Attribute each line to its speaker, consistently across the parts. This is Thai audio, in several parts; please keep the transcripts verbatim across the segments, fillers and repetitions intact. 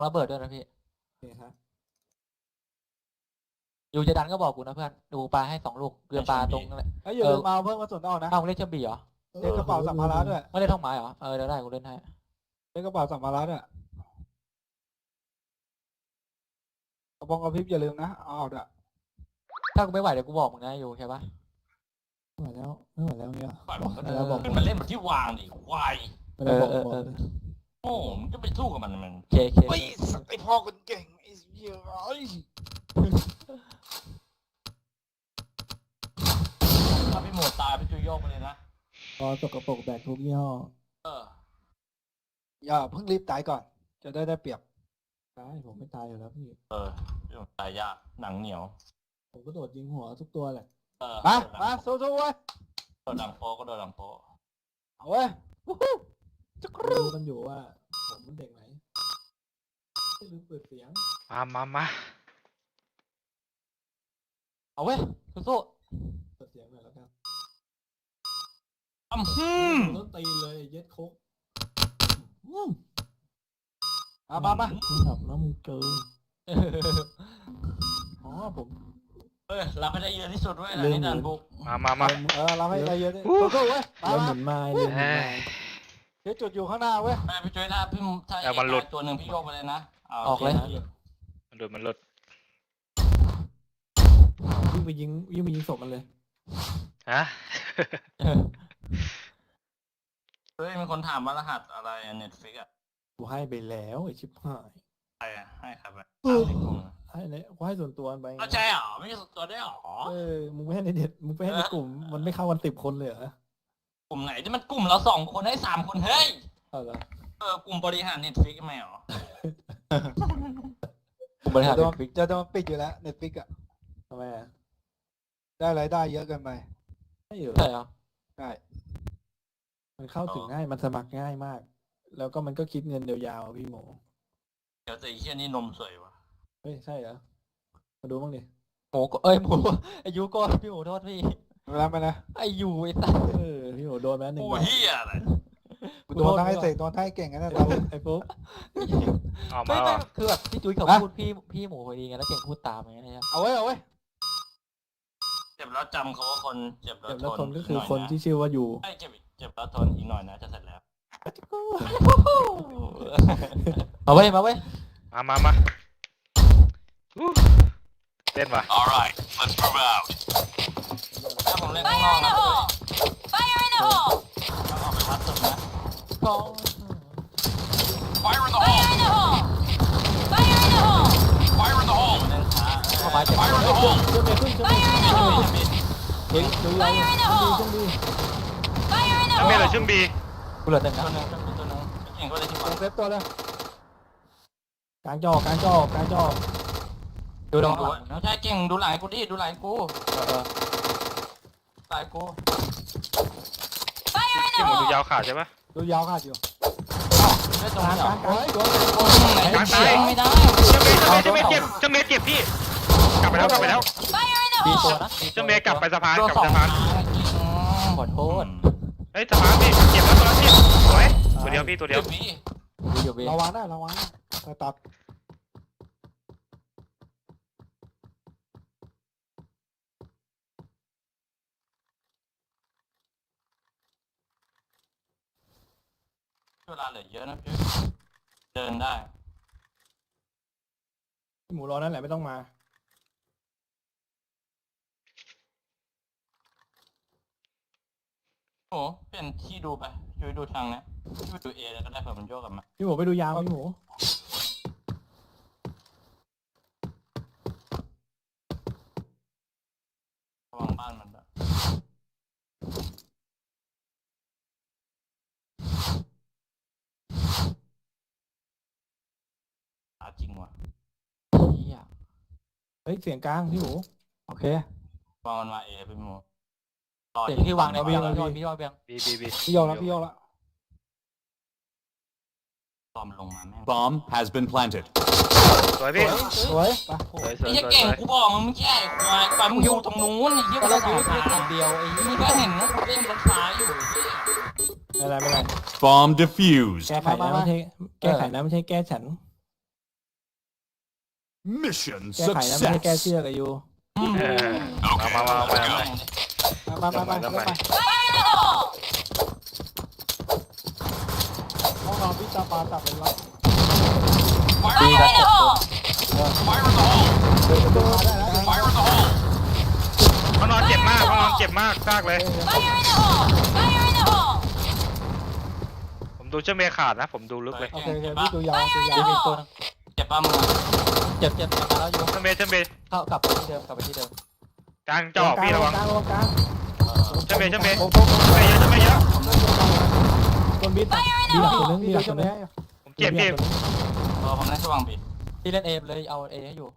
Speaker 1: ระเบิดด้วยนะพี่
Speaker 2: โอเคครับ
Speaker 1: อยู่จะดันก็บอกกูนะเพื่อนดูปลาให้สองลูกเกลือปลาตรงนั่นแหละ
Speaker 3: เอ้ยอย่าลืมมาเอาเพิ่มกระสุนออกนะ
Speaker 1: อ้าวมึงเล่นเชอร์บีเหรอ
Speaker 3: เล่นกระเป๋าสัมภาระด้วย
Speaker 1: ไม่เล่นท่องไม้เหรอเออเดี๋ยวได้กูเล่นให้
Speaker 3: เล่นกระเป๋าสัมภาระด้วยกระบองกระพริบอย่าลืมนะเอาออกด้วย
Speaker 1: ถ้ากูไม่ไหวเดี๋ยวกูบอกมึงนะอยู่ใช่ปะ
Speaker 2: ไม่ไหวแล้วไม่ไหวแล้วเงี้ย
Speaker 4: ปล่อย
Speaker 2: บ
Speaker 4: มั
Speaker 2: อก
Speaker 4: นก็
Speaker 2: ให้
Speaker 4: เดิ
Speaker 2: แล้วบอก
Speaker 4: นขึ้นมาเล่นแบบที่วางดิควาย
Speaker 2: ไม่ได้บอกบอก
Speaker 4: โอ้มันจะไปสู้กับมันมัน
Speaker 1: เคเค
Speaker 3: เฮ้ยสัตว์ไอพ่อคนเก่งไอ้เหี้ยเอ้ย
Speaker 4: ถ้าพี่หมดตายพี่จุยโยกไปเลยนะ
Speaker 2: พอสกปรกแบกทุกยี่ห้อ
Speaker 4: เออ
Speaker 3: อย่าเพิ่งรีบตายก่อน จะได้ได้เปรียบ
Speaker 2: ตายผมไม่ตายอยู่แล้วพี่
Speaker 4: เออพี่หมดตายยากหนังเหนียว
Speaker 2: ผมก็โดดยิงหัวทุกตัวแหละ
Speaker 4: เออ
Speaker 3: มามาสู้ๆเว้ย
Speaker 4: โดนดังโป๊ก็โดนดังโป๊
Speaker 3: เอาเว้ยวู้ฮู้จักรู
Speaker 2: รู้กันอยู่ว่าผมเป็นเด็กไหนไม่ลืมเปิดเสียง
Speaker 5: มามามา
Speaker 1: เอาเว้ยสู้
Speaker 2: เปิดเสียงหน่อยแล้วกัน
Speaker 4: อ้ำฮึม
Speaker 2: ต้นตีนเลยเย็ดโคกอืม
Speaker 3: มามามา
Speaker 2: มึงขับแล้วมึงเกิน
Speaker 1: ๆ
Speaker 2: อ๋อผม
Speaker 4: เอ้ยรับให้ได้เยอะที่สุดเว้ย
Speaker 2: เรื่อง
Speaker 4: นี่ดันบุก
Speaker 5: มามามา
Speaker 3: เออเราให้ได้เยอะดิสู้ๆเว้ยมา
Speaker 2: เริ่มห
Speaker 3: มา
Speaker 2: มุนไม้เริ่มหมุนไม้
Speaker 3: เดี๋ยวจุดอยู่ข้างหน้าเว้ย
Speaker 4: แม่พี่จุยถ้าพี่ถ้า
Speaker 5: เอามันหลุด
Speaker 4: ตัวหนึ่งพี่โยกไปเลยนะา
Speaker 1: ออกเลย
Speaker 5: มันหลุดมันหลุด
Speaker 2: ยิ่งไปยิงยิ่งไปยิงศพมันเลย
Speaker 5: ฮะ
Speaker 4: เฮ้ยมีคนถามว่ารหัสอะไรเน็ตฟิกอะ
Speaker 2: กูให้ไปแล้วไอชิบหาย
Speaker 4: ใครอะให้ใครไปถามในกลุ่มอะ
Speaker 2: ให้เลยกูให้ส่วนตัวมันไปไง
Speaker 4: เข้าใจเหรอไม่ใช่ตัวได้เหรอ
Speaker 2: เออมึงไม่ให้ในเด็ดมึงไปให้ในกลุ่มมันไม่เข้ากันสิบคนเลยเหรอก
Speaker 4: ลุ่มไหนที่มันกลุ่มเราสองคนให้สามคนเฮ้ย
Speaker 2: เอาเหรอ
Speaker 4: เออกลุ่มบริหารเน็ตฟิกไม่เหรอ
Speaker 1: กูบริหาร
Speaker 3: จะโดน
Speaker 1: ฟิก
Speaker 3: จะโดนปิดอยู่แล้วเน็ตฟิกอะ
Speaker 2: ทำไมอ่ะ
Speaker 3: ได้รายได้เยอะเกินไป
Speaker 2: ไม่อยู่
Speaker 1: ใช่เหรอ
Speaker 3: ใช่
Speaker 2: มันเข้าถึงง่ายมันสมัครง่ายมาก แล้วก็มันก็คิดเงินยาวๆอะพี่หมู
Speaker 4: เดี๋ยวแต่อีเชี่ยนี่นมสวยวะ
Speaker 2: เฮ้ยใช่เหรอมาดูบ้างดิ
Speaker 1: หมูก็เอ้ยหมูอายุก็พี่หมูโทษพี่
Speaker 3: เวลาไปนะ
Speaker 1: ไอายุไอ้สัส
Speaker 2: เออพี่หมูโดนไปแล้วหนึ่ง
Speaker 4: โอ้
Speaker 2: ใบ
Speaker 4: เฮียอะไร
Speaker 3: กูโดนทั้งไอ้เสกโดนทั้งไอ้เก่งกันนะ
Speaker 2: ไอ้
Speaker 3: ตอน
Speaker 2: ฟุ๊
Speaker 3: นี้
Speaker 2: กไอ้ฟุ๊ก
Speaker 5: ออก
Speaker 1: ไม่
Speaker 5: มา
Speaker 1: ไม่
Speaker 5: ว่ะ
Speaker 1: คือแบบพี่จุ้ยเขา
Speaker 3: ฮะ
Speaker 1: พูดพี่พี่หมูพอดีไงแล้วเก่งพูดตามอย่างเงี้ยนะครับ
Speaker 3: เอาไว้เอาไว้
Speaker 4: เจ็บแล้วจำเขาว่าคนเจ็บแล้ว
Speaker 2: เจ็บ
Speaker 4: ท
Speaker 2: แล้ว
Speaker 4: น
Speaker 2: คนก็คือ
Speaker 4: หยะ
Speaker 2: คนที่ชื่อว่าอยู่
Speaker 4: ไอ้ยเจ็บเจ็บแล้วทนอีกหน่อยนะจะเสร็จแล้ว
Speaker 1: เอาเว้ยมาเว้ย
Speaker 5: มามามาอู้เล่นว่ะ
Speaker 4: alright let's move out ถ้าผมเล่นข้างนอกนะ
Speaker 6: Fire in the hole!
Speaker 4: ต้องออกไปพัดสุดนะ
Speaker 1: กอง
Speaker 4: fire in the
Speaker 6: Fire in the hole! Fire in the hole!
Speaker 4: fire in the hole เล่นช้า
Speaker 1: เข้ามาเจ็บ
Speaker 4: fire in the hole
Speaker 2: เชื่อมเมย์ขึ้นเชื่อมเม
Speaker 6: Fire
Speaker 2: ย์
Speaker 6: in the hole!
Speaker 2: เฮ้ยดูยาว
Speaker 6: Fire in the
Speaker 2: ดู
Speaker 6: hole!
Speaker 2: ช่วงดี
Speaker 6: Fire in the
Speaker 5: ถ้าเมย์เหลือ
Speaker 6: hole!
Speaker 5: ชึ่งบี
Speaker 1: กูเหลือหนึ่ง
Speaker 4: ตัว
Speaker 1: นะ
Speaker 4: หนึงตัวหนึงเก่งก็เลยที่
Speaker 3: เซ
Speaker 4: ว่า
Speaker 3: ฟเซฟตัวเลย
Speaker 2: กลางจอกลางจอกลางจอ
Speaker 1: ดู
Speaker 4: ดู
Speaker 1: ดอง
Speaker 4: ดู
Speaker 1: หลังนะ
Speaker 4: ใช่เก่งดูหลังกูดิดูหลังกู
Speaker 1: เออเออ
Speaker 4: หลังกู
Speaker 6: Fire in
Speaker 5: ที่
Speaker 6: the
Speaker 5: หมูดู
Speaker 6: hole!
Speaker 5: ยาวขาดใช่ปะ
Speaker 3: ดูยาวขาดอยู่
Speaker 4: เล่นตรง
Speaker 2: กลาง
Speaker 4: นี้เหร
Speaker 2: ก
Speaker 4: อ
Speaker 2: ลางกลาง
Speaker 3: เฮ้ยโดน
Speaker 4: ไหน
Speaker 5: กลางตาย
Speaker 4: ไม่ได้
Speaker 5: เจ้าเมย์เจ้าเมย์เจ้าเมย์เจ็บเจ้าเมย์เจ็บพี่ กลับไปแล้วกลับไปแล้ว
Speaker 6: Fire in the
Speaker 1: ดีตัว
Speaker 6: hole!
Speaker 1: นะ
Speaker 5: เจ้าเมย์กลับไปสะพาน
Speaker 4: ตัว
Speaker 5: กลับ
Speaker 4: ส
Speaker 5: ไป
Speaker 4: อง
Speaker 5: สะพาน
Speaker 1: ขอโทษ
Speaker 5: เฮ้ยสะพานพี่เจ็บแล้วตัวนั้นพี่สวยตัวเดียวพี่ตัวเดี
Speaker 4: เดี๋
Speaker 5: ย
Speaker 4: ยว วพี่
Speaker 1: ดูอยู่เว้ย
Speaker 3: ระวังนะระวังนะแต่ตัด
Speaker 4: เวลาเหลือเยอะนะพี่เดินได้
Speaker 2: หมูรอนั่นแหละไม่ต้องมา
Speaker 4: โอ้เปลี่ยนที่ดูไปช่วยดูทางนะช่วยดูเอแล้วก็ได้เผื่อมันโยกกลับมา
Speaker 2: พี่หมูไปดูยาวพี่หมู
Speaker 4: ระวังบ้านมันด้วยหาจริงว่ะ
Speaker 1: เหี้ย
Speaker 2: เฮ้ยเสียงกลางพี่หมู
Speaker 3: โอเค
Speaker 4: วางมันมาเอพี่โมรอ
Speaker 1: เสียง
Speaker 4: ยิ
Speaker 1: ที่วางใน
Speaker 4: ฝั่
Speaker 1: เบียง
Speaker 4: นี้
Speaker 1: พี่วางพี่วางเบียง
Speaker 5: บีบีบี
Speaker 3: พี่โยกแล้วพี่โยกแล้ว
Speaker 4: ตอมลงมาแม่ง
Speaker 7: Bomb has been planted.
Speaker 5: สวยพี่
Speaker 3: สวยไป
Speaker 5: สวยสวย
Speaker 4: ไอ้
Speaker 5: สวย
Speaker 4: เก่ง
Speaker 5: สวย
Speaker 4: กูบอกมึงไม่ใช่ควายควายมึงอยู่ตรงนู้นไอ้เหี้ย
Speaker 1: ก็
Speaker 4: กู
Speaker 1: เรา
Speaker 4: จะ
Speaker 1: ดู
Speaker 4: ถ่าย
Speaker 1: แค่
Speaker 4: หา
Speaker 1: ทางเดียวไอ้
Speaker 4: มึงก็เห็นนะกูเล่นรถฟ้าอยู่ไอ้เหี้ย
Speaker 2: ไม่เป็นไรไม่เป็นไร
Speaker 7: Bomb defused.
Speaker 2: แก้ไขนะไม่ใช่แก้ไขนะไม่ใช่แก้ฉัน
Speaker 7: Mission
Speaker 2: แก้ไขนะไม่ใช่แก้
Speaker 7: success.
Speaker 2: เชือกอะยู
Speaker 5: เออเอามามาเอามาเอามา
Speaker 3: มามามา
Speaker 5: ทำไม
Speaker 3: มา
Speaker 6: Fire in the hole!
Speaker 3: ห้องนอนพี่ตาปลาตับเป็นรับ
Speaker 1: ดี
Speaker 6: Fire
Speaker 1: นะ
Speaker 6: in
Speaker 1: เจ็
Speaker 6: the
Speaker 1: บตัว
Speaker 6: hole!
Speaker 3: เดินประตูมาได้แล้ว
Speaker 5: เขานอนเจ็บมากเขานอนเจ็บมากซากเลย
Speaker 6: Fire in the hole! Fire in the hole!
Speaker 5: ผมดูเชื่อเมย์ขาดนะ ผมดูลึกเลย
Speaker 3: โอเคโอเคพี่ดูยาวดูยา
Speaker 1: ดี
Speaker 3: ว
Speaker 1: มีตัวนึง
Speaker 4: เจ็บป้ามึง
Speaker 1: เจ็บเจ็บกลับมาแล้วอยู่
Speaker 5: เชื่อเมย์เชื่อเมย์
Speaker 1: เข้ากลับไปที่เดิมกลับไปที่เดิม
Speaker 5: กลางจอพี่ระวัง
Speaker 2: กลางระวังกลาง
Speaker 5: เชื่อเมย์เชื่อเมย์
Speaker 3: โอ้โห
Speaker 5: เมย์เยอะเชื่อเมย์เยอะ
Speaker 2: คนบิดดีหลักตัวนึงดีหลักตัวนึง
Speaker 5: ผมเจ็บพี่
Speaker 4: เออผมเล่นช่วงบี
Speaker 1: ที่เล่นเอเลยเอาเอให้อยู่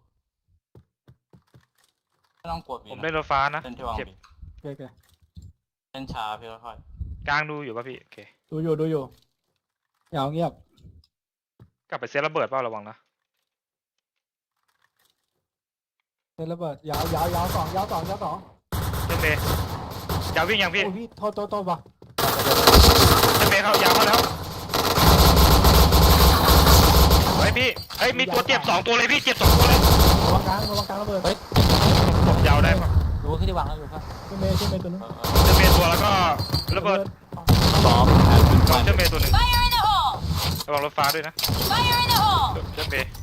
Speaker 4: ไม่ต้องกดบี
Speaker 5: ผมเล่นรถฟ้านะ
Speaker 4: เล่นช่วง
Speaker 5: เจ็บ
Speaker 4: บี
Speaker 3: โอเคโอเค
Speaker 4: เล่นชาพี่ค่อย
Speaker 5: กลางดูอยู่ป่ะพี่โอเค
Speaker 2: ดูอยู่ดูอยู่
Speaker 3: ยาวเงียบ
Speaker 5: กลับไปเซตระเบิดเปล่าระวังนะ
Speaker 3: เล่นระเบิดยาวยาวยาวสองยาวสองยาวสอง
Speaker 5: เชื่อเมย์ยาววิ่งยังพี่
Speaker 3: โอ้ยพี่โทษโทษโทษว่ะ
Speaker 5: เชื่อเมย์เขายาวเขาแล้วเฮ้ยพี่เฮ้ยมีตัวเจ็บสองตัวเลยพี่เจ็บสองตัวเลย
Speaker 2: ระวังกลางระวังกลางระเบิด
Speaker 1: เฮ้ย
Speaker 5: ผมยาวได้ป่ะ
Speaker 1: รู้ขึ้นที่วางแล้วอยู่ครับ
Speaker 2: ขึ้นเมย์ขึ้นเมย์ตัวนึง
Speaker 4: ๆเออ
Speaker 5: เชื่อเมย์ตัวแล้วก็ระเบิด
Speaker 7: Bomb has been
Speaker 5: เชื่อ
Speaker 7: planted.
Speaker 5: เมย์ตัวหนึ่ง
Speaker 6: Fire in the hole!
Speaker 5: ระวังรถฟ้าด้วยนะ
Speaker 6: Fire in the hole!
Speaker 5: เชื่อเมย์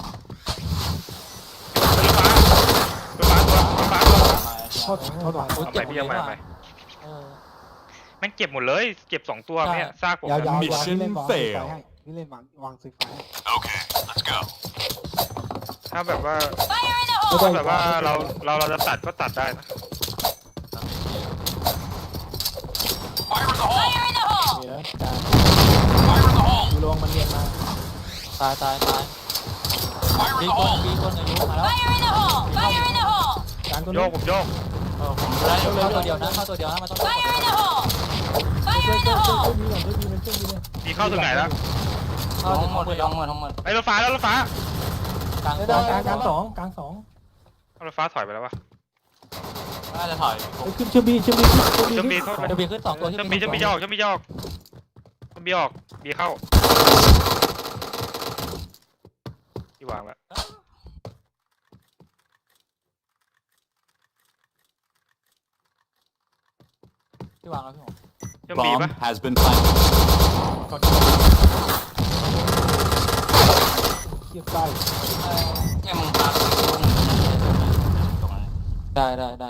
Speaker 5: รถฟ้ารถฟ้าตัวรถฟ้าตัว
Speaker 3: โทษโทษว่ะ
Speaker 1: โอ้ย
Speaker 5: เอา
Speaker 1: เจ็
Speaker 5: ไป
Speaker 1: บหมด
Speaker 5: พี่
Speaker 1: เล
Speaker 5: เอา
Speaker 1: ย
Speaker 5: ไป
Speaker 1: ว่ะ
Speaker 5: เอาไป
Speaker 1: เออ
Speaker 5: แม่งเจ็บหมดเลยเจ็บสองตัว
Speaker 1: ใช่
Speaker 5: เนี่ยซากผม
Speaker 3: ยาวยาว
Speaker 5: นะ
Speaker 3: ยาวพี่เล่นวางซื้อไฟ
Speaker 7: fail
Speaker 3: ให้พี่เล่นวางวางซื้อไฟให้
Speaker 7: Okay, let's go.
Speaker 5: ถ้าแบบว่า
Speaker 6: Fire in the
Speaker 5: ถ้า
Speaker 6: hole!
Speaker 5: แบบว่าเราเราเราจะตัดก็ตัดได้นะ
Speaker 6: Fire in the hole!
Speaker 2: นี่นะกลางดูระวังมันเรียนมา
Speaker 1: ตายตายตายบีคนบีคนอายุมาแล้ว
Speaker 6: Fire in the hole! Fire in the hole!
Speaker 2: กลางตัว
Speaker 5: โย
Speaker 2: นึ
Speaker 5: ก
Speaker 2: ง
Speaker 5: ผมโยก
Speaker 4: เออผมได้
Speaker 1: เข้าตัวเดียวนะเข้าตัวเดียวนะมันต้อง
Speaker 6: Fire in the hole! Fire
Speaker 2: ช่วย
Speaker 6: in
Speaker 2: ช่
Speaker 6: the
Speaker 2: วยช่วย
Speaker 6: hole!
Speaker 2: ช่วยดีก่อนช่วยดีมันช่วยดีเลย
Speaker 5: มีเข้าถึงไหนแล้ว
Speaker 1: เข้า
Speaker 4: ทั้
Speaker 1: ถึ
Speaker 4: ง
Speaker 1: ง
Speaker 4: หม
Speaker 1: ข้อ
Speaker 4: ด
Speaker 1: มือ
Speaker 4: ทั้งหมดทั้งหมด
Speaker 5: ไอ้รถฟ้าแล้วรถฟ้าก
Speaker 1: ลาง
Speaker 2: กลางกลางกลางสองกลางสอง
Speaker 5: เอารถฟ้าถอยไปแล้ววะ
Speaker 4: น่าจะถอย
Speaker 2: เฮ้ยขึ้นเชื่อมบีเชื่อมบีเชื่อมบี
Speaker 5: เชื่อมบี
Speaker 2: ขึ้น
Speaker 5: เข้า
Speaker 1: เดี๋ยวบีขึ้นสองตัว
Speaker 5: เชื่อมบีเชื่อมบียอกเชื่อมบียอกเชื่อมบีออกบีเข้าที่วางแล้ว
Speaker 1: ที่วางแล้วพี่ผม
Speaker 5: เชื่อมบี
Speaker 7: Bomb
Speaker 5: ปะ
Speaker 7: has been planted.
Speaker 3: เทียบใกล้
Speaker 4: แค่มึงพาตัวหนึ่งตรงนั้น
Speaker 1: ได้ได้ได้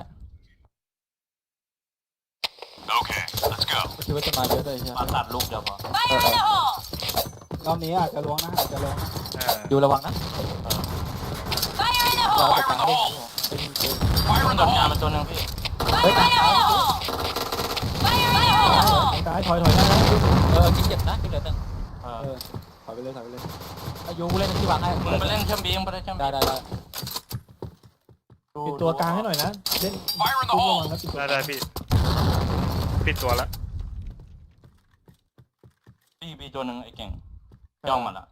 Speaker 7: Okay, let's go.
Speaker 1: คิดว่าจะมาเยอะเลยใช่ไหม
Speaker 4: มาตัดลูกเดียวพอ
Speaker 6: Fire in the hole!
Speaker 3: รอบนี้อาจจะลวงนะอาจจะลวงนะ
Speaker 5: อ่า
Speaker 1: อยู่ระวังนะ
Speaker 6: Fire in the
Speaker 1: เรา
Speaker 6: hole!
Speaker 1: ไปกลางเล่นเป็นเกม
Speaker 4: มันกดงานเป็นตัวหนึ่งพี่
Speaker 6: Fire in the hole! Fire in the hole!
Speaker 2: ซ้ายถอยถอยได้นะ
Speaker 1: เออกินเจ็บนะกินเหลือหนึ่ง
Speaker 4: เอ
Speaker 3: เอ
Speaker 4: อ
Speaker 3: อถอยไปเลยถอยไปเลย
Speaker 1: อายุเล่นที่วางให้
Speaker 4: มึงไปเล่นเชื่อมบีมึงไปเล่นเชื่อมบี
Speaker 1: ได้ได้ได้
Speaker 2: ปิดตัวกลางให้หน่อยนะเล่นตุ้มระวังนะปิดตัว
Speaker 5: ได้ได้พี่ปิดตัวแล้ว
Speaker 4: บีบีตัวหนึ่งไอ้เก่งย่องมาละ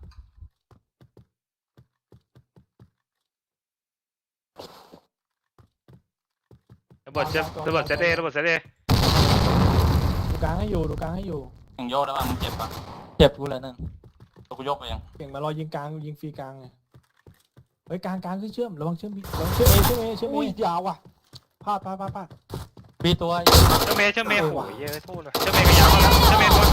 Speaker 5: ระเบิดเซตระเบิดเซตเอระเบิดเซตเอ
Speaker 2: ดูกลางให้อยู่ดูกลางให้อยู่
Speaker 4: เก่งโยกได้ป่ะมึงเจ็บป่ะ
Speaker 1: เจ็บกูเหลือหนึ่ง
Speaker 4: ตัวกูยกไปยัง
Speaker 2: เก่งมารอยิงกลางยิงฟรีกลางไงเฮ้ยกลางกลางขึ้นเชื่อมระวังเชื่อมบีระวังเชื่อมเอเชื่อมเอเชื่อมเอ
Speaker 3: อุ้ยยาวว่ะพลาดพลาดพลาดพลาด
Speaker 1: บีตัว
Speaker 5: เชื่อมเมย์เชื่อมเมย์โอ้ยเยอะโทษเลยเชื่อมเมย์ก็ยาวแล้วเชื่อมเมย์ตัว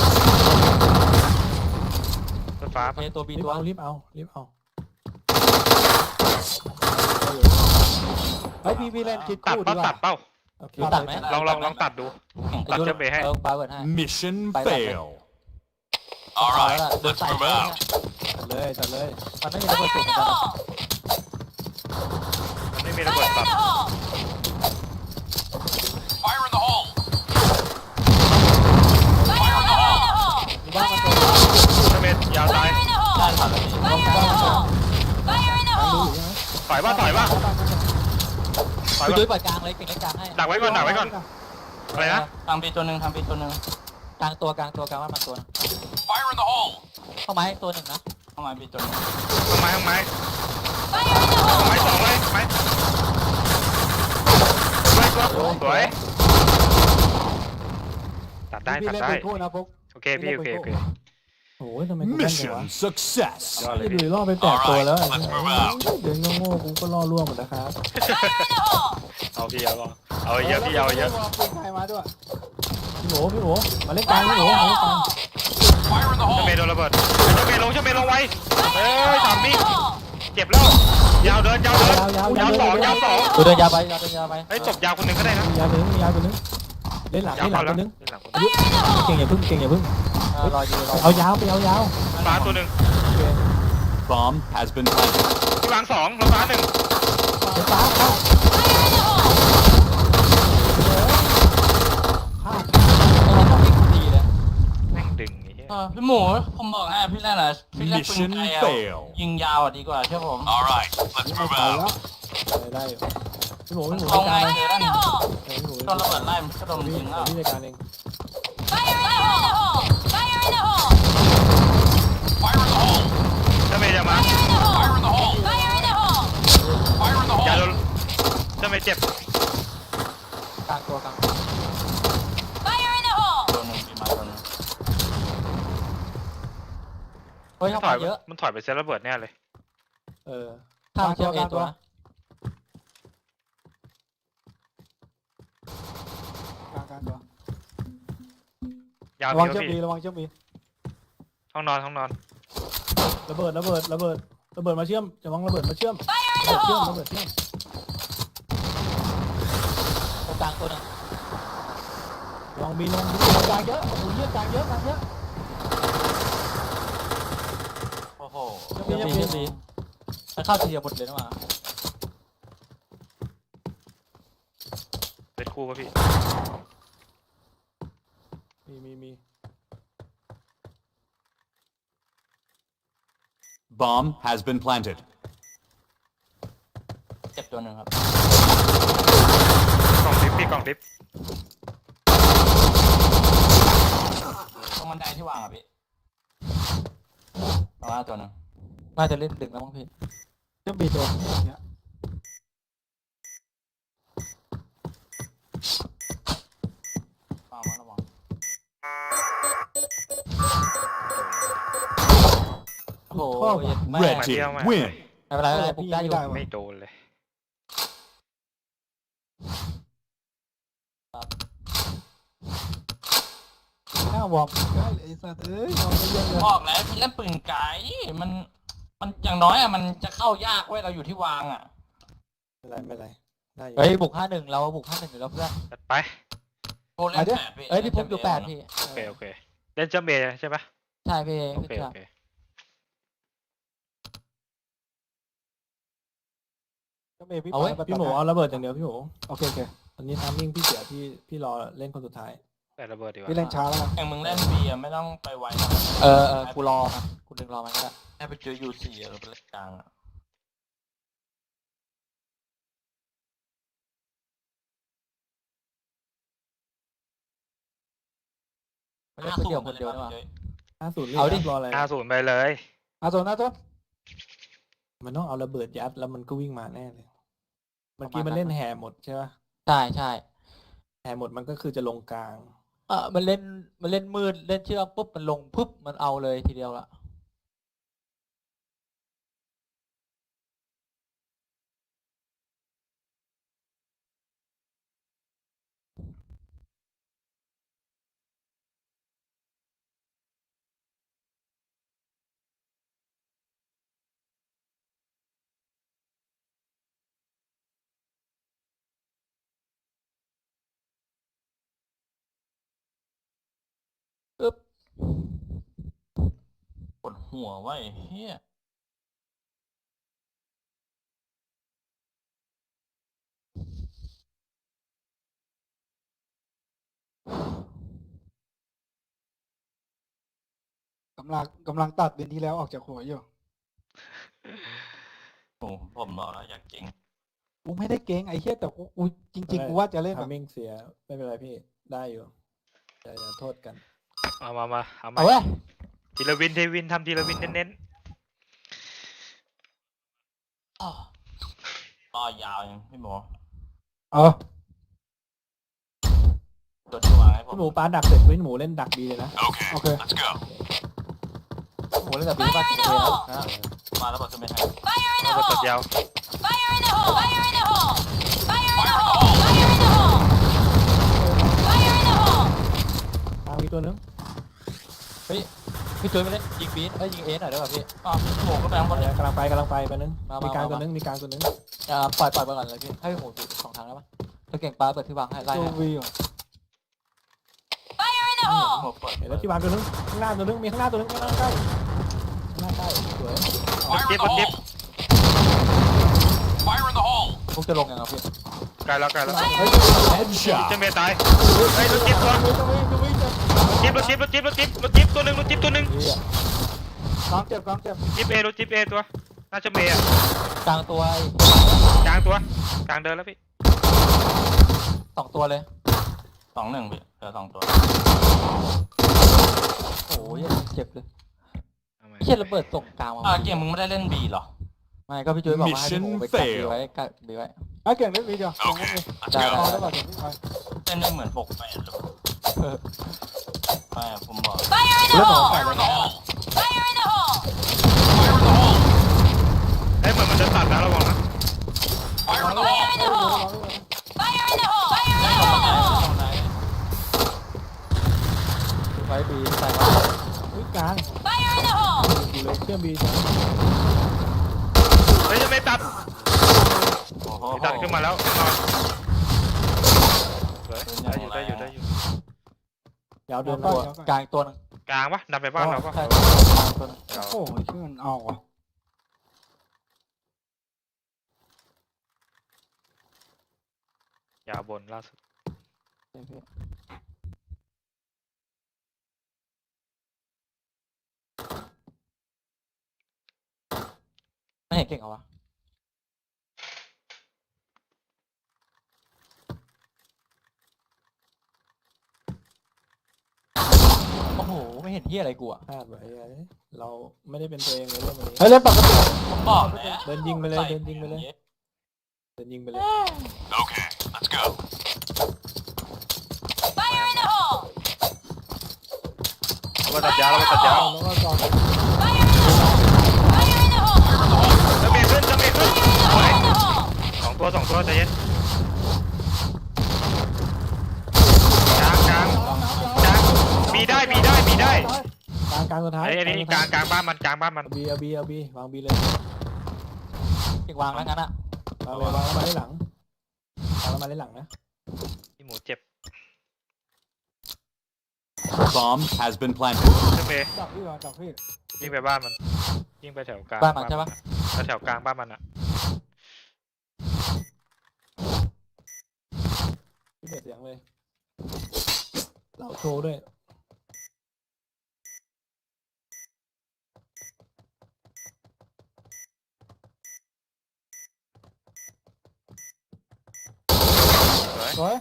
Speaker 5: รถฟ้า
Speaker 1: เอตัวบี
Speaker 2: รีบ
Speaker 1: ตัว
Speaker 2: เอารีบเอารีบเอา
Speaker 3: เฮ้ยพี่พี่เล่นคิด
Speaker 5: ตัด
Speaker 3: คู่
Speaker 5: เป้า
Speaker 3: ดีก
Speaker 5: ตั
Speaker 3: ว่า
Speaker 5: ดเป้า
Speaker 2: โอเค
Speaker 1: ตัดไหม
Speaker 5: ลองลองลองตัดดู
Speaker 4: เก่ง
Speaker 5: ตัดเชื่อมเอให้
Speaker 1: เออปาเวิร์ดให้
Speaker 7: Mission
Speaker 1: Bye, bye.
Speaker 7: fail.
Speaker 1: เอา
Speaker 7: All
Speaker 1: แล้ว
Speaker 7: right,
Speaker 1: ล่ะโดน
Speaker 7: let's
Speaker 1: ใส่
Speaker 7: move
Speaker 1: เลย
Speaker 7: out.
Speaker 2: ตัดเลยตัดเลย
Speaker 1: มันไม่มีระเบิด
Speaker 6: Fire
Speaker 1: สูง
Speaker 6: in
Speaker 1: เหมื
Speaker 6: the
Speaker 1: อนกัน
Speaker 6: hole!
Speaker 5: มันไม่มีระเบิด
Speaker 6: Fire
Speaker 5: ตั
Speaker 6: in
Speaker 5: ด
Speaker 6: the hole!
Speaker 7: Fire in the hole.
Speaker 6: Fire in the hole!
Speaker 2: ดูบ้านมันตัว
Speaker 5: เชื่อมเมย์ยาวตาย
Speaker 6: Fire in the
Speaker 4: ได้
Speaker 6: hole!
Speaker 4: ถอยไปดิ
Speaker 6: Fire in the hole! Fire in the
Speaker 2: กลางดู
Speaker 6: hole!
Speaker 2: อยู่ใช่ไหม
Speaker 5: ถอยว่าถอยว่าถอย
Speaker 1: พี่
Speaker 5: ว่า
Speaker 1: ดุ้ยปล่อยกลางเลยเก่งเล่นกลางให้
Speaker 5: ดักไว้ก่อนดักไว้ก่อนอะไรนะ
Speaker 4: ทำบีตัวหนึ่งทำบีตัวหนึ่ง
Speaker 1: กลางตัวกลางตัวกลางว่ามันตัว
Speaker 7: Fire in the hole.
Speaker 1: เข้าไม้ตัวหนึ่งนะ
Speaker 4: เข้ามาบีตัวหนึ่ง
Speaker 5: ต้นไม้ต้นไม้
Speaker 6: Fire in the
Speaker 5: ต้น
Speaker 6: hole!
Speaker 5: ไม้สองเลยไม้ไม้ตัวสวยตัดได้
Speaker 3: พี่
Speaker 5: ตัด
Speaker 3: เล่น
Speaker 5: ได้
Speaker 3: เป็นคู่นะพวก
Speaker 5: โอเคพี่โอเคโอเค
Speaker 2: โอ้ยทำไมกูแม่นจังวะ
Speaker 7: Mission success.
Speaker 5: ยอดเลย
Speaker 2: ไม่
Speaker 5: พี่
Speaker 2: ดูล่อไปแปดตัวแล้ว
Speaker 7: Alright, let's move out.
Speaker 2: เดินโง่ๆกูก็ล่อล่วงหมดนะครับ
Speaker 5: เอาพี่เอาเอาเยอะพี่เอาเยอะ
Speaker 3: แล้วก็ปืนใครมาด้วย
Speaker 2: พี่โหพี่โหมาเล่นกลางพี่โหมาเล่นกลาง
Speaker 7: Fire in the
Speaker 5: เจ้า
Speaker 7: hole.
Speaker 5: เมย์โดนระเบิดเจ้าเมย์ลงเจ้าเมย์ลงไว้เอ้ยทำมิ่งเจ็บแล้วยาวเดินยาวเดินยาวสองยาวสอง
Speaker 1: กูเดินยาวไปยาวเดินยาวไป
Speaker 5: เฮ้ยจบยาวคนหนึ่งก็ได้นะ
Speaker 2: มียาวตัวนึงมียาวตัวนึงเล่นหลัง
Speaker 5: ยาว
Speaker 2: เล่นห
Speaker 5: พ
Speaker 2: ลั
Speaker 5: อง แล้ว
Speaker 2: ตัวนึง
Speaker 5: เล่นหลังคน
Speaker 2: เก่งอย่าพึ่งเก่งอย่าพึ่ง
Speaker 1: เออรออยู่รอ
Speaker 2: เอายาวไปเอายาว
Speaker 5: ฟ้าตัวหนึ่ง
Speaker 7: Bomb has been planted.
Speaker 5: พี่วางสองลงฟ้าหนึ่ง
Speaker 2: เดี๋ยวฟ้าเข้าพลาด
Speaker 1: เราต้องวิ่งดีเลย
Speaker 5: แม่งดึงไอ้เหี้ย
Speaker 4: เออพี่หมูผมบอกให้พี่แรกนะพี่แรกปืน
Speaker 7: Mission
Speaker 4: ไกลอะ
Speaker 7: fail.
Speaker 4: ยิงยาวอ่ะดีกว่าเชื่อผม
Speaker 7: All right, let's
Speaker 3: ไม่
Speaker 7: move
Speaker 3: ทัน
Speaker 7: out.
Speaker 3: แล้ว
Speaker 2: ได้อยู่พี่โหพี่โห
Speaker 4: เอา
Speaker 2: จัด
Speaker 4: ไง
Speaker 2: การเลย
Speaker 4: เจอแล้ว
Speaker 2: เออพี่โห
Speaker 4: โดนระเบิดไล่มันก็โดน
Speaker 2: พี่
Speaker 4: ยิงแล้ว
Speaker 2: พี่จัดการเอง
Speaker 6: Fire in the hole! Fire in the hole!
Speaker 7: Fire in the hole.
Speaker 5: เจ้าเมย์จะมา
Speaker 6: Fire in the
Speaker 7: Fire in the
Speaker 6: hole!
Speaker 7: hole.
Speaker 6: Fire in the hole!
Speaker 7: Fire in the
Speaker 5: อย่าโด
Speaker 7: hole.
Speaker 5: นเจ้าเมย์เจ็บ
Speaker 1: กลางตัวกลาง
Speaker 6: Fire in the hole!
Speaker 4: โดนหนึ่งปีมาโดนหนึ่ง
Speaker 1: เฮ้ย
Speaker 5: มัน
Speaker 1: เข้า
Speaker 5: ถอย
Speaker 1: มาเยอะ
Speaker 5: มันถอยไปเซตระเบิดแน่เลย
Speaker 2: เออ
Speaker 1: ข้ามเชื่อมเอตัวนะ
Speaker 3: กลางกลางตัว
Speaker 5: ยาว
Speaker 3: ระวัง
Speaker 5: พี่
Speaker 3: เจ้าบี
Speaker 5: พี่
Speaker 3: ระวังเจ้าบี
Speaker 5: ห้องนอนห้องนอน
Speaker 2: ระเบิดระเบิดระเบิดระเบิดมาเชื่อมจะวางระเบิดมาเชื่อม
Speaker 6: Fire in
Speaker 2: ระ
Speaker 6: the
Speaker 2: เบิดเชื่อม
Speaker 6: hole!
Speaker 2: ระเบิดเชื่อม
Speaker 1: ตรงกลางตัวหนึง
Speaker 2: ลองบีลองบี
Speaker 3: กลางเยอะโอ้โหเยอะกลางเยอะกลางเยอะ
Speaker 4: โอ้โห
Speaker 2: เชื่อม
Speaker 1: เชื่อม
Speaker 2: บี
Speaker 1: ดี
Speaker 2: เชื่อมบี
Speaker 1: เชื่อมดีมันเข้าทีเดียวหมดเลยนะมา
Speaker 5: เซตคู่ป่ะพี่
Speaker 2: มีมีมี
Speaker 7: Bomb has been planted.
Speaker 4: เจ็บตัวหนึ่งครับ
Speaker 5: กล่องดิฟพี่กล่องดิฟ
Speaker 4: ตรงบันไดที่วางอ่ะพี่เอามาตัวหนึ่ง
Speaker 1: น่าจะเล่นดึกแล้วมั้งพี่
Speaker 3: เจ้าบีตัวเนี่ย
Speaker 4: วางมาระวัง
Speaker 1: โอ้โหเย็ดแม่
Speaker 7: Red team win.
Speaker 1: ไม่เป็นไรไม่เป็นไรปลุกได้อยู่
Speaker 5: ไม่โดนเลย
Speaker 3: หน้าวอร์มได้เลยไอ้สัตว์เอ้ยวอร์มเยอะเลย
Speaker 4: บอกแล้วพี่เล่นปืนไกลมันมันอย่างน้อยอ่ะมันจะเข้ายากเว้ยเราอยู่ที่วางอ่ะ
Speaker 2: ไม่เป็นไรไม่เป็นไรได้อยู่
Speaker 1: เฮ้ยบุกห้าหนึ่งเราบุกห้าหนึ่งอยู่แล้วเพื่อน
Speaker 5: จัดไป
Speaker 4: โอ้เล่นแปดพี่
Speaker 1: เอ้ยพี่พุกอยู่แปดพี่
Speaker 5: โอเคโอเคเล่นเจ้าเมย์ใช่ปะ
Speaker 1: ใช่พี่
Speaker 5: โอ
Speaker 1: พี่
Speaker 5: เค
Speaker 1: เชื่
Speaker 5: โอ
Speaker 1: อ
Speaker 5: เค
Speaker 3: เจ้าเมย์พี่
Speaker 2: เอาไว้
Speaker 3: ป
Speaker 2: พี่หมูเอาระเบิดอย่างเดียวพี่หมู
Speaker 3: โอเคโอเค
Speaker 2: ตอนนี้ทามมิ่งพี่เสียพี่พี่รอเล่นคนสุดท้าย
Speaker 5: แต่ระเบิดดีกว่า
Speaker 3: พี่เล่นช้าแล้วกัน
Speaker 4: อย่างมึงเล่นบีอ่ะไม่ต้องไปไวนะ
Speaker 1: เออเออกูรอมันกูดึงรอมันก็ได้
Speaker 4: ให้ไปเจอยูสี่หรือไปเล่นกลางอ่ะ
Speaker 1: มันเล่นคนเดียวคนเดียวนี่หว่า
Speaker 2: ห้าศูนย์
Speaker 1: เอาดิ
Speaker 2: รออะไร
Speaker 5: ห้าศูนย์ไปเลย
Speaker 3: อาโซนอาโซน
Speaker 2: มันต้องเอาระเบิดยัดแล้วมันก็วิ่งมาแน่เลยเมื่อกี้มันเล่นแห่หมดใช่ปะ
Speaker 1: ใช่ใช่
Speaker 2: แห่หมดมันก็คือจะลงกลาง
Speaker 1: เออมันเล่นมันเล่นมืดเล่นเชือกปุ๊บมันลงปุ๊บมันเอาเลยทีเดียวละปึ๊บ
Speaker 4: ปวดหัวไว้เฮีย
Speaker 3: กำลังกำลังตัดเดือนที่แล้วออกจากหัวอยู่
Speaker 4: โอ้ผมบอกแล้วอยากเก่ง
Speaker 3: กูไม่ได้เก่งไอ้เหี้ยแต่กูกูจริง ๆ กูว่าจะเล่นแบ
Speaker 2: ทา
Speaker 3: บ
Speaker 2: มมิ่งเสียไม่เป็นไรพี่ได้อยู่อย่าอย่าโทษกัน
Speaker 5: เอามามาเอามา
Speaker 1: เอาเว้ย
Speaker 5: ทีละวินทีวินทำทีละวินเน้น
Speaker 4: อ้อรอยาวยังพี่หมู
Speaker 3: เออ
Speaker 4: ตัวที่วางให้ผม
Speaker 2: พี่หมูปาดักเสร็จพี่หมูเล่นดักดีเลยนะ
Speaker 7: Okay,
Speaker 3: Okay.
Speaker 7: let's go.
Speaker 1: โหเล่นแบบนี้ป่ะเกมแล้วนะ
Speaker 4: มาแล้วบอกจะไม่ให้
Speaker 6: Fire in the
Speaker 5: ระเบิดตัด
Speaker 6: hole!
Speaker 5: ยาว
Speaker 6: Fire in the hole! Fire in the hole! Fire in the hole! Fire in the hole! Fire in the hole!
Speaker 2: ตามมีตัวนึง
Speaker 1: พี่จุ้ยไม่เล่นยิงบีนเอ้ยยิงเอสหน่อยได้ป่ะพี่
Speaker 4: อ๋อโผล่ก็แบงค์บนเลย
Speaker 2: กำลังไปกำลังไปไปนึง
Speaker 1: มามามี
Speaker 2: มีกลาง
Speaker 1: มา
Speaker 2: ตัวนึงมีกลางตัวนึง
Speaker 1: อ่าปล่อยปล่อยไปก่อนเลยพี่ให้โหดูสองทางได้ป่ะถ้าเก่งปลาเปิดที่วางให้ไล่
Speaker 3: ตัว
Speaker 1: ให้
Speaker 3: วีอ่ะ
Speaker 6: Fire in the hole!
Speaker 4: โผล่เปิด
Speaker 2: เห็นแล้วที่วางตัวนึงข้างหน้าตัวนึงมีข้างหน้าตัวนึงข้างหน้าใกล้ข้างหน้าใกล้สวย
Speaker 7: Fire in the hole. Fire in the hole.
Speaker 1: พวกจะลงยังไงพี่
Speaker 5: ไกลแล้วไกลแล้ว
Speaker 7: Headshot.
Speaker 5: เจมเมย์ตายเฮ้ยรถจิ๊บตัวจิ๊บรถจิ๊บรถจิ๊บรถจิ๊บรถจิ๊บตัวหนึ่งรถจิ๊บตัวหนึ่ง
Speaker 1: พี่อ่ะ
Speaker 3: กองเจ็บกองเจ็บ
Speaker 5: จิ๊บเอรถจิ๊บเอตัวน่าจะเมย์อ่ะ
Speaker 1: กลางตัว
Speaker 5: กลางตัวกลางเดินแล้วพี่
Speaker 1: สองตัวเลย
Speaker 4: สองหนึ่งพี่เหลือสองตัว
Speaker 1: โอ้ยเจ็บเลย
Speaker 5: ทำไม
Speaker 1: เขียนระเบิดส่งกลางมา
Speaker 4: อ่าเกมมึงไม่ได้เล่นบีเหรอ
Speaker 1: ไม่ก็พี่จุ้ยบอกว่าให้พี่หมูไปกัดบีไว้กัดบีไว้
Speaker 3: ไอ้เก่งเล่นวีเดียวเก่งเล่นวี
Speaker 7: Okay, let's
Speaker 1: ได้
Speaker 7: go.
Speaker 3: พอ
Speaker 1: ได้
Speaker 3: ได้ป่ะเดี๋ยวพี่ไป
Speaker 4: เล่นได้เหมือนปกแปดหรือไม่ผมบอก
Speaker 6: Fire in the
Speaker 1: เรื่องของ
Speaker 6: hole!
Speaker 1: ฝ่ายเลยนะ
Speaker 6: Fire in the hole!
Speaker 7: Fire in the hole.
Speaker 5: เฮ้ยเหมือนมันจะตัดนะระวังนะ
Speaker 7: Fire in the
Speaker 6: Fire
Speaker 7: hole.
Speaker 6: in the hole! Fire in the hole! Fire in the hole!
Speaker 1: ไว้บีใส่ว่า
Speaker 2: อุ้ยกลาง
Speaker 6: Fire in the hole!
Speaker 2: อยู่เลยเชื่อมบีจ้ะ
Speaker 5: เฮ้ยจะไม่ตัด
Speaker 4: โอ้โห
Speaker 5: ไม่ตัดขึ้นมาแล้วขึ้นมาสวยได้อยู่ได้อยู่ได้อยู่
Speaker 2: ยาวเดิน
Speaker 1: ตัว
Speaker 2: ตัว
Speaker 1: กลางตัวนึง
Speaker 5: กลางปะดันไปบ้านเราปะ
Speaker 1: ใช่กลางตัวนึง
Speaker 3: โอ้ยชื่อมันเอาอ่ะ
Speaker 5: ยาวบนล่าสุด
Speaker 1: ไม่เห็นเก่งเหรอวะโอ้โหไม่เห็นเฮียอะไรกูอ่ะ
Speaker 2: พลาดไว้ไอ้เราไม่ได้เป็นตัวเองเลยเรื่องนี้
Speaker 3: เฮ้ยเล่นปกติ
Speaker 4: ผมบอกแล้ว
Speaker 2: เดินยิงไปเลยเดินยิงไปเลยเดินยิงไปเลย
Speaker 7: Okay, let's go.
Speaker 6: Fire in the hole!
Speaker 5: ระเบิดตัดยาวระเบิดตัดยาว
Speaker 2: แล้วก็จอด
Speaker 6: Fire in the hole! Fire in the hole!
Speaker 5: จะเมย์ขึ้นจะเมย์ขึ้น
Speaker 6: Fire in the hole!
Speaker 5: สองตัวสองตัวใจเย็นกลางกลางกลางมีได้มีได้มีได้
Speaker 2: กลางกลางสุดท้าย
Speaker 5: ไอ้อันนี้กลางกลางบ้านมันกลางบ้านมัน
Speaker 2: บีเอาบีเอาบีวางบีเลย
Speaker 1: เก่งวางแล้วงั้นอ่ะ
Speaker 2: วางเลยวางแล้วมาได้หลังวางแล้วมาได้หลังนะ
Speaker 5: พี่หมูเจ็บ
Speaker 7: Bomb has been planted.
Speaker 5: จะเมย์
Speaker 3: จับพี่ก่อนจับพี่
Speaker 5: ยิงไปบ้านมันยิงไปแถวกลาง
Speaker 1: บ้านมันใช่ปะ
Speaker 5: แถวกลางบ้านมันอ่ะ
Speaker 2: พี่เด็ดเสียงเลยเราโชว์ด้วย
Speaker 5: สวย
Speaker 3: สวย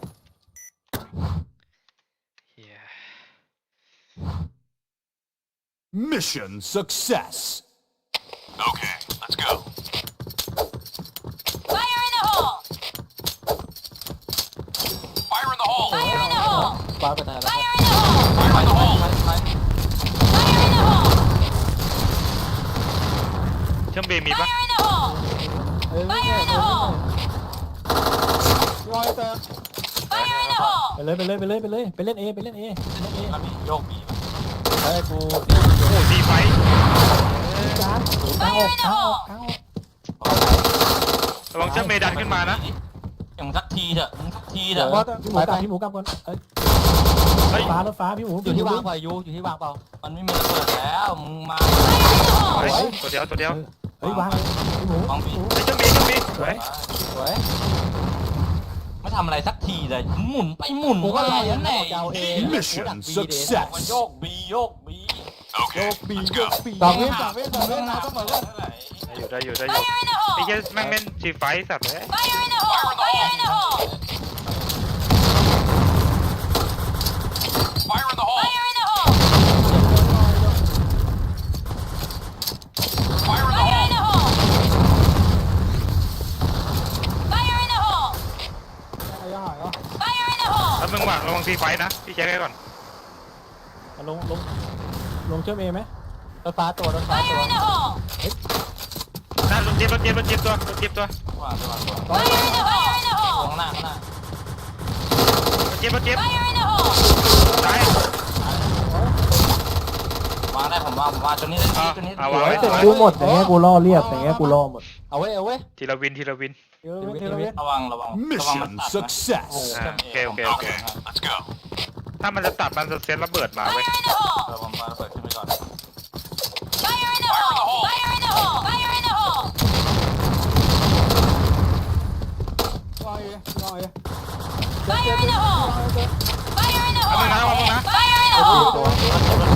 Speaker 5: เฮีย
Speaker 7: Mission success. Okay, let's go.
Speaker 6: Fire in the hole!
Speaker 7: Fire in the hole.
Speaker 6: Fire in the hole!
Speaker 1: บ้านไปไหนแล้ว
Speaker 6: Fire in the hole!
Speaker 7: Fire in the hole.
Speaker 6: Fire in the hole!
Speaker 5: เชื่อมเบมีปะ
Speaker 6: Fire in the hole!
Speaker 2: เอ้ย
Speaker 6: Fire in the hole!
Speaker 3: พี่บอยเติม
Speaker 6: Fire in the hole!
Speaker 2: ไปเลยไปเลยไปเลยไปเลยไปเล่นเอไปเล่นเอไปเล่นเอ
Speaker 4: แล้วมีโยกบี
Speaker 1: ไอ้กู
Speaker 5: โอ้ดีไฟ
Speaker 2: กลางกลางออกกลางออกกลางออก
Speaker 5: ระวังเชื่อมเมดันขึ้นมานะ
Speaker 4: อย่างสักทีเถอะมึงสักทีเถอะ
Speaker 3: บอสเติม
Speaker 2: พี่หมูกลับพี่หมูกลับก่อนเอ้ย
Speaker 5: เฮ้ย
Speaker 2: ฟ้ารถฟ้าพี่หมู
Speaker 1: อยู่ที่วางเปล่ายูอยู่ที่วางเปล่า
Speaker 4: มันไม่มีระเบิดแล้วมึงมา
Speaker 5: เฮ้ยตัวเดียวตัวเดียว
Speaker 2: เฮ้ยวางเลยพี่หมู
Speaker 4: วางบี
Speaker 5: เฮ้ยเชื่อมเมเชื่อมเมสวย
Speaker 1: สวย
Speaker 4: ไม่ทำอะไรสักทีเลยหมุนไปหมุน
Speaker 1: กูก็
Speaker 4: มา
Speaker 1: ไล่
Speaker 4: อย่าง
Speaker 1: แน่
Speaker 4: ไหน
Speaker 1: ยาวเอง
Speaker 7: Mission
Speaker 4: บอกว่า
Speaker 7: success.
Speaker 4: โยกบีโยกบี
Speaker 7: Okay, let's go.
Speaker 3: สองวิสองวิสองวินะต้องเหมือนกัน
Speaker 5: ได้อยู่ได้อยู่ได้อยู่
Speaker 6: Fire in the
Speaker 5: ไอ้
Speaker 6: hole!
Speaker 5: เหี้ยแม่งเล่นจีไฟสัตว์เลย
Speaker 6: Fire in the hole! Fire in the hole!
Speaker 7: Fire in the hole.
Speaker 6: Fire in the hole!
Speaker 7: Fire in the
Speaker 6: Fire in
Speaker 7: hole.
Speaker 6: the hole! Fire in the hole!
Speaker 3: ไอ้ยังหายเหรอ
Speaker 6: Fire in the hole!
Speaker 5: แล้วมึงหวังระวังจีไฟนะพี่เช็คให้ก่อน
Speaker 2: ลงลงลงเชื่อมเอไหม
Speaker 1: รถฟ้าตัวรถฟ้า
Speaker 6: Fire
Speaker 1: ตัว
Speaker 6: in the hole!
Speaker 5: นั่นรถเจ็บรถเจ็บรถเจ็บตัวรถเจ็บตัว
Speaker 4: วางตัววางตัว
Speaker 6: Fire in the hole! Fire in the
Speaker 4: ข้าง
Speaker 6: hole!
Speaker 4: หน้าข้างหน้าร
Speaker 5: ถเจ็บรถเจ็บ
Speaker 6: Fire in the hole!
Speaker 5: ตายว
Speaker 4: างได้ผมวางผมวางตัวนี้เล่นดีตัวนี้
Speaker 5: เอาวางไว้
Speaker 2: แต่กูหมดอย่างเงี้ยกูล่อเรียบอย่างเงี้ยกูล่อหมด
Speaker 1: เอาไว้เอาไว้
Speaker 5: ทีละวินทีละวิน
Speaker 3: เดี๋ยวเดี๋ยวเดี๋ยว
Speaker 4: ระวังระวังระวังมัน
Speaker 7: Mission
Speaker 4: ตัดนะ
Speaker 7: success.
Speaker 5: อ่าโอเคโอเคโอเค
Speaker 7: Okay, let's go.
Speaker 5: ถ้ามันจะตัดมันจะเซ็ตระเบิดมาเว้ย
Speaker 6: Fire in the hole!
Speaker 4: เออผมมาเปิดขึ้นไปก่อน
Speaker 6: Fire in the hole! Fire in the hole! Fire in the hole!
Speaker 3: รออยู่รออยู่
Speaker 6: Fire in the hole! Fire in the
Speaker 5: เอา
Speaker 6: hole!
Speaker 5: มึงนะเอามึงนะ
Speaker 6: Fire in the hole!
Speaker 1: ตัว
Speaker 6: Fire in the hole!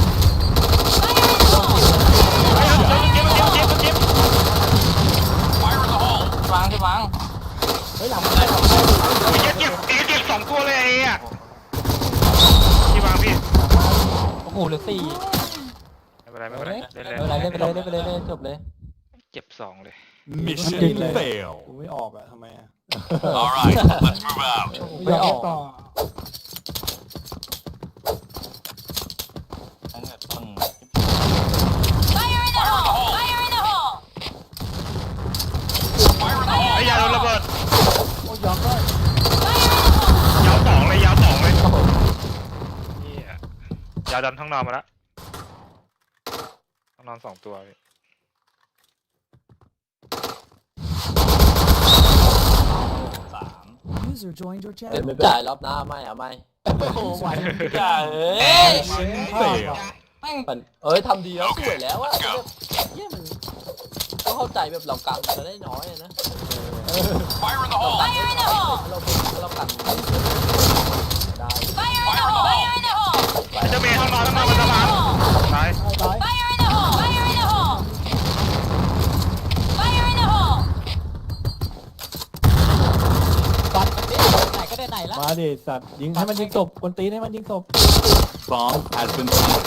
Speaker 5: เฮ้ยรถเจ็บรถเจ็บรถเจ็บรถเจ็บ
Speaker 7: Fire in the hole.
Speaker 4: วางที่วาง
Speaker 1: เฮ้ยหลัง
Speaker 4: ได้ผม
Speaker 5: โอ้ยเจ็บเอเจ็บสองตัวเลยไอ้อะที่วางพี่
Speaker 1: โอ้โหเหลือสี่
Speaker 5: ไม่เป็นไรไม่เป็นไรเล่น
Speaker 1: ไม่เป็นไร
Speaker 5: เล่
Speaker 1: เล่
Speaker 5: น
Speaker 1: นไปเลยเล่นไปเลยเล่นจบเลย
Speaker 5: เจ็บสองเลย
Speaker 7: Mission fail.
Speaker 2: กูไม่ออกอะทำไมอะ
Speaker 7: All right, let's move out.
Speaker 3: ไม่ออกต่อ
Speaker 4: ตั้งแต่ต้น
Speaker 6: Fire in the hole! Fire in the hole!
Speaker 7: Fire in the
Speaker 5: ไอ้
Speaker 7: hole.
Speaker 5: ยาโดนระเบิด
Speaker 3: โอ้ยยอมได้
Speaker 6: Fire in the hole!
Speaker 5: ยาวสองเลยยาวสองเลยนี่ยยาวดันท้องนอนมาแล้วท้องนอนสองตัวพี่
Speaker 4: สาม
Speaker 8: User joined your
Speaker 1: เดี๋ยว
Speaker 8: channel.
Speaker 1: ไม่จ่ายรอบหน้าไม่เอาไม่
Speaker 4: โอ้โหไหวจ่าเอ้ย
Speaker 7: Fail.
Speaker 4: แม่ง
Speaker 1: มันเอ้ยทำดีแล้วสวยแล้วอะ
Speaker 7: let's go.
Speaker 1: เยี่ยมันก็เข้าใจแบบเรากังจะได้น้อยอะนะ
Speaker 7: Fire in the hole.
Speaker 6: Fire in the hole!
Speaker 1: เราเรากังได้
Speaker 6: Fire in the hole! Fire in the hole!
Speaker 5: ไอ้เจ้าเมย์ท้องนอนท้องนอนมันสะพานตาย
Speaker 3: ตาย
Speaker 6: Fire in the hole! Fire in the hole! Fire in the hole!
Speaker 1: ฟันมันดิไหนก็ได้ไหนละ
Speaker 2: มาดิสัตว์ยิงให้มันยิงศพกวนตีนให้มันยิงศพ
Speaker 7: Bomb has been planted.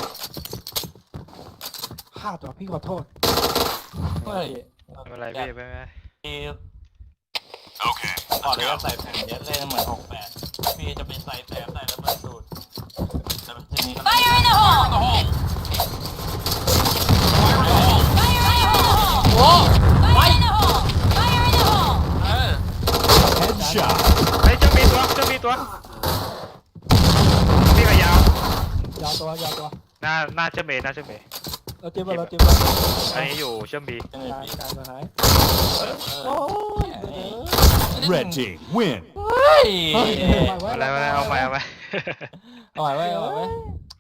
Speaker 3: พลาดว่ะพี่ขอโทษ
Speaker 4: เฮ้ย
Speaker 5: ไม่เป็นไรพี่ไม่เป็นไร
Speaker 4: พี่
Speaker 7: Okay,
Speaker 4: ก่อน
Speaker 7: let's
Speaker 4: เลย
Speaker 7: go.
Speaker 4: ก็ใส่แผ่นเย็ดเล่นเหมือนหกแปดพี่จะไปใส่แถมใส่ระเบิดสูตรแต่ทีนี้ก็
Speaker 6: Fire in the
Speaker 7: Fire in
Speaker 6: hole!
Speaker 7: the hole. Fire in the hole.
Speaker 6: Fire in the hole!
Speaker 1: โอ้
Speaker 6: Fire in the hole! Fire in the hole!
Speaker 4: เออ
Speaker 7: Headshot.
Speaker 5: ไอ้ยเจ้าเมย์ตัวเจ้าเมย์ตัวพี่กับยาวย
Speaker 3: าวตัวยาวตัว
Speaker 5: หน้าหน้าเจ้าเมย์หน้าเจ้าเมย์
Speaker 3: เราเจ็บเราเจ็บเรา
Speaker 5: อันนี้อยู่เชื่อมบี
Speaker 4: เป็นไง
Speaker 3: ตาย
Speaker 4: พี่
Speaker 3: ตายมาหาย
Speaker 4: โอ้ย
Speaker 7: Red team win.
Speaker 4: เฮ้ย
Speaker 5: อะไรมาเอาใหม่เอาใหม่
Speaker 1: เอาไว้ไว้เอาไว้